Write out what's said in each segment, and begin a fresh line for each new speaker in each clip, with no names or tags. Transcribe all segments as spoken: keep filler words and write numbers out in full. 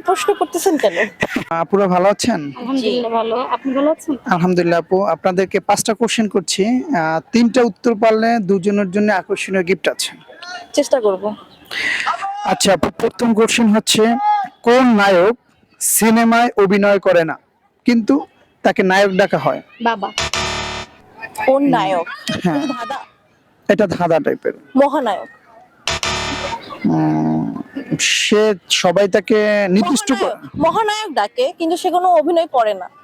প্রশ্ন করতেছেন কেন?
আপুরা ভালো আছেন?
আলহামদুলিল্লাহ ভালো। আপনি ভালো আছেন?
আলহামদুলিল্লাহ আপু, আপনাদেরকে পাঁচটা কোশ্চেন করছি। আহ, তিনটা উত্তর পারলে দুজনের জন্য আকর্ষণীয় গিফট আছে।
চেষ্টা করব।
আচ্ছা আপু, প্রথম কোশ্চেন হচ্ছে, কোন নায়ক সিনেমায় অভিনয় করে না কিন্তু তাকে নায়ক ডাকা হয়?
বাবা। কোন নায়ক?
হ্যাঁ,
কিন্তু ধাঁধা।
এটা ধাঁধা টাইপের।
মহানায়ক।
সে সবাই তাকে নির্দিষ্ট করে।
মহানায়ক মহানায়ক ডাকে কিন্তু সে কোনো অভিনয় করে না।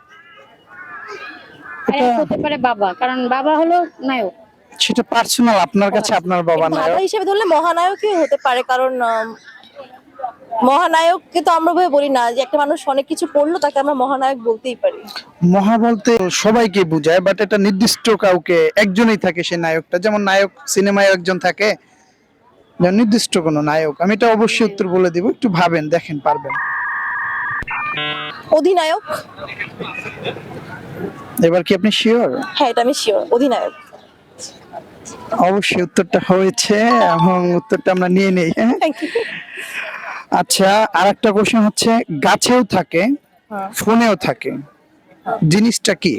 এটা
হতে পারে বাবা, কারণ বাবা হলো নায়ক।
সেটা পার্সোনাল, আপনার কাছে আপনার বাবা
এটা ধাঁধা
নায়ক।
হিসেবে ধরলে মহানায়কই হতে পারে, কারণ আম, মহানায়ককে তো আমরা ভাবে বলি না যে একটা মানুষ অনেক কিছু করলো তাকে আমরা মহানায়ক বলতেই পারি।
মহা বলতে সবাইকে বোঝায়, বাট এটা নির্দিষ্ট কাউকে, একজনই থাকে সে নায়কটা। যেমন নায়ক সিনেমায় একজন থাকে, যেমন নির্দিষ্ট কোনো নায়ক। আমি এটা অবশ্যই উত্তর বলে দিব, একটু ভাবেন, দেখেন পারবেন।
অধিনায়ক।
এবার কি আপনি শিওর?
হ্যাঁ, এটা আমি শিওর, অধিনায়ক।
অবশ্যই উত্তরটা হয়েছে, এবং উত্তরটা আমরা নিয়ে নেই। হ্যাঁ,
থ্যাংক ইউ।
আচ্ছা, আর একটা কোশ্চেন হচ্ছে, গাছেও থাকে ফোনেও থাকে, জিনিসটা কি?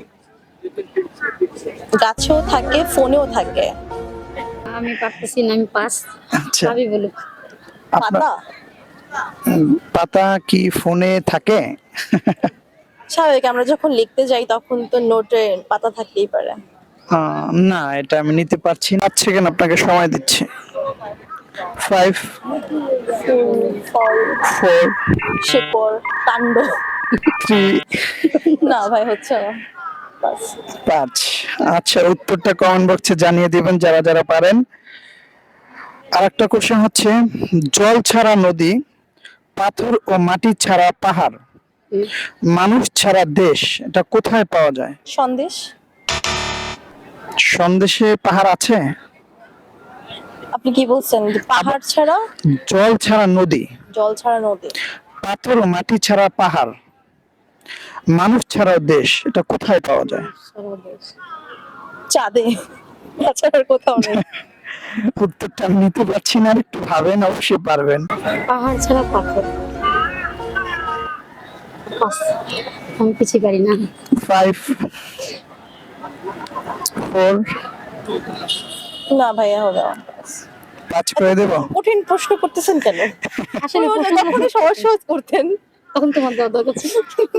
গাছেও থাকে ফোনেও থাকে।
আমি পারতেছি না, আমি পাস।
আচ্ছা,
ভাবি বলুক।
আপনার
পাতা।
উম, পাতা কি ফোনে থাকে?
স্বাভাবিক, আমরা যখন লিখতে যাই তখন তো নোটে পাতা থাকতেই পারে।
আহ, না, এটা আমি নিতে পারছি না। পাঁচ সেকেন্ড আপনাকে সময় দিচ্ছি। ফাইভ,
ফুল, ফল,
ফোর,
শেকড়, কাণ্ড।
থ্রি,
না ভাই, হচ্ছে না। বাস।
পাঁচ। আচ্ছা, উত্তরটা কমেন্ট বক্সে জানিয়ে দিবেন যারা যারা পারেন। আর একটা কোশ্চেন হচ্ছে, জল ছাড়া নদী, পাথর ও মাটি ছাড়া পাহাড়, মানুষ ছাড়া দেশ, এটা কোথায় পাওয়া যায়?
সন্দেশ।
সন্দেশে পাহাড় আছে?
আপনি কি বলছেন যে পাহাড় ছাড়া?
জল ছাড়া নদী,
জল ছাড়া নদী,
পাথর ও মাটি ছাড়া পাহাড়, মানুষ ছাড়া দেশ, এটা কোথায় পাওয়া যায়?
চাঁদে। তাছাড়া আর কোথাও নেই।
উত্তরটা আমি নিতে পারছি না, আর একটু ভাবেন, অবশ্যই পারবেন।
পাহাড় ছাড়া পাথর। পাস। আমি পিছিয়ে পারি না।
ফাইভ, ফোর,
না ভাইয়া, হবে না।
পাঁচ করে দেবো।
কঠিন প্রশ্ন করতেছেন কেন?
আসলে প্রশ্ন
তখন সহজ সহজ করতেন।
তখন তোমার দেওয়া দরকার ছিল।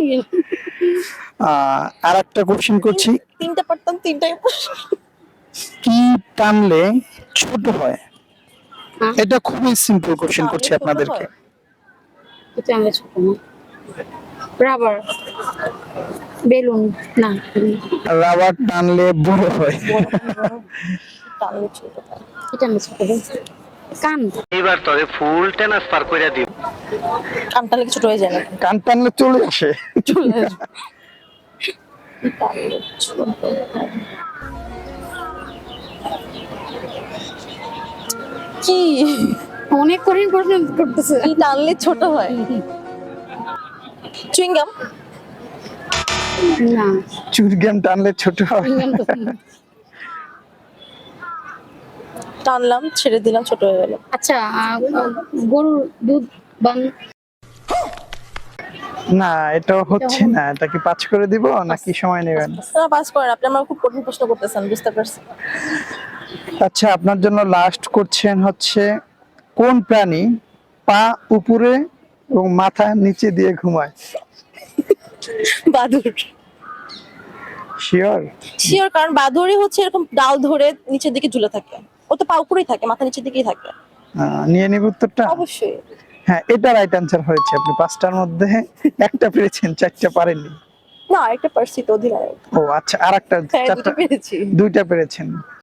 আহ, আর একটা কোশ্চেন করছি,
তিনটা পারতাম, তিনটাই।
কি টানলে ছোট হয়?
হ্যাঁ?
এটা খুবই সিম্পল কোশ্চেন
টানলে
করছি
ছোট
আপনাদেরকে।
হয়?
এটা আমরা ছোট না। রাবার। বেলুন। না।
রাবার টানলে বড় হয়।
টানলে ছোট হয়।
এটা আমরা ছোট না। কান।
এবার তবে ফুল ট্রান্সফার করে দিব।
কান টানলে কি ছোট হয়ে যায় নাকি?
কান টানলে চলে আসে।
চলে আসবে। টানলে ছোট হয়। কি
অনেক কঠিন প্রশ্ন করতেছে।
কি টানলে ছোট হয়? চুইংগাম।
না।
চুরগাম টানলে ছোট হয়।
টানলাম, ছেড়ে দিলাম, ছোট হয়ে গেল।
আচ্ছা, আহ, গরুর দুধ বান।
না, এটা হচ্ছে না। এটা কি পাঁচ করে দিব নাকি সময় নেবেন?
না, পাস করেন আপনি। আমার খুব কঠিন প্রশ্ন করতেছেন, বুঝতে পারছি।
আচ্ছা, আপনার জন্য লাস্ট কোশ্চেন হচ্ছে, কোন প্রাণী পা উপরে এবং মাথা নিচে দিয়ে ঘুমায়?
বাদুড়।
শিওর?
শিওর, কারণ বাদুড়ই হচ্ছে এরকম ডাল ধরে নিচের দিকে ঝুলে থাকে। ও তো পা উপরেই থাকে, মাথা নিচের দিকেই থাকে।
নিয়ে নিব উত্তরটা?
অবশ্যই।
হ্যাঁ, এটা রাইট অ্যান্সার হয়েছে। আপনি পাঁচটার মধ্যে একটা পেরেছেন, চারটা পারেননি।
না, একটা পারছি তো, অধিনায়ক।
ও আচ্ছা, আর একটা
হ্যাঁ,
চারটা,
দুটো পেরেছি।
দুইটা পেরেছেন।